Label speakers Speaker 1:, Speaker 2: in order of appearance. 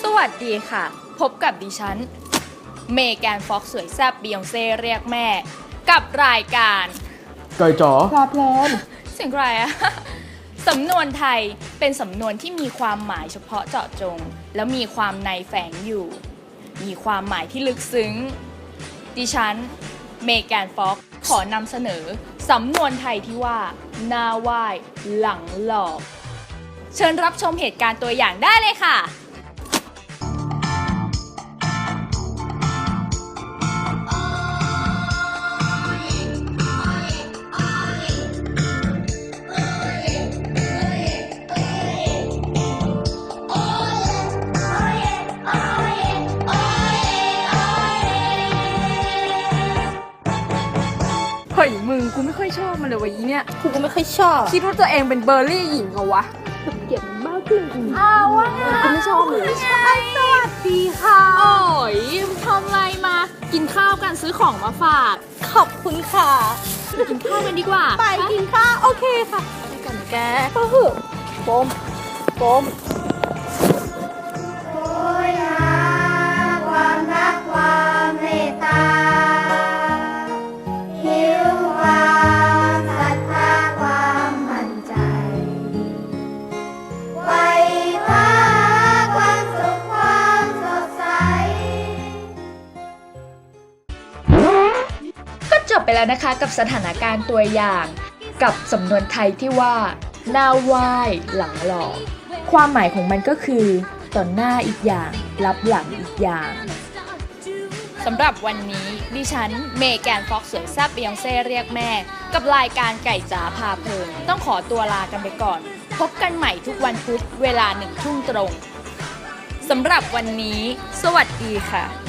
Speaker 1: วัสดีค่ะพบกับดิฉันเมแกนฟ็อกซ์สวยแซ่บบียองเซ่เรียกแม่กับรายการ
Speaker 2: ไก่จ๋อพลาเพลน
Speaker 1: เสียงใครอะสำนวนไทยเป็นสำนวนที่มีความหมายเฉพาะเจาะจงแล้วมีความในแฝงอยู่มีความหมายที่ลึกซึ้งดิฉันเมแกนฟ็อกซ์ขอนำเสนอสำนวนไทยที่ว่าหน้าไหว้หลังหลอกเชิญรับชมเหตุการณ์ตัวอย่างได้เลยค่ะ
Speaker 3: เฮ้ยมึงกูไม่ค่อยชอบมันเลยวะอีเนี่ย
Speaker 4: กูก็ไม่ค่อยชอบ
Speaker 3: คิดว่าตัวเองเป็นเบอร์รี่หญิงเหรอวะ
Speaker 4: เกลียดมากขึ้น
Speaker 1: อ้าวว่าไง
Speaker 4: กูไม่ชอบเลย
Speaker 1: สวัสดีค่ะโอ้ยทำอะไรมากินข้าวกันซื้อของมาฝาก
Speaker 4: ขอบคุณค่ะ
Speaker 1: กินข้าวกันดีกว่า
Speaker 4: ไปกินข้าวโอเคค่ะ
Speaker 1: ไปกันแก
Speaker 4: ก็เหอะโฟม
Speaker 5: ความรักความเมตตาหิวความศรัทธาความมั่นใจไว้พาความสุขความสดใส
Speaker 1: ก็จบไปแล้วนะคะกับสถานการณ์ตัวอย่างกับสำนวนไทยที่ว่าหน้าไหว้หลังหลอกความหมายของมันก็คือต่อหน้าอีกอย่างรับหลังอีกอย่างสำหรับวันนี้ดิฉันเมแกนฟ็อกซ์สวยแซ่บบียองเซ่เรียกแม่กับรายการไก่จ๋าพาเพลินต้องขอตัวลากันไปก่อนพบกันใหม่ทุกวันพุธเวลา 1 ทุ่มตรงสำหรับวันนี้สวัสดีค่ะ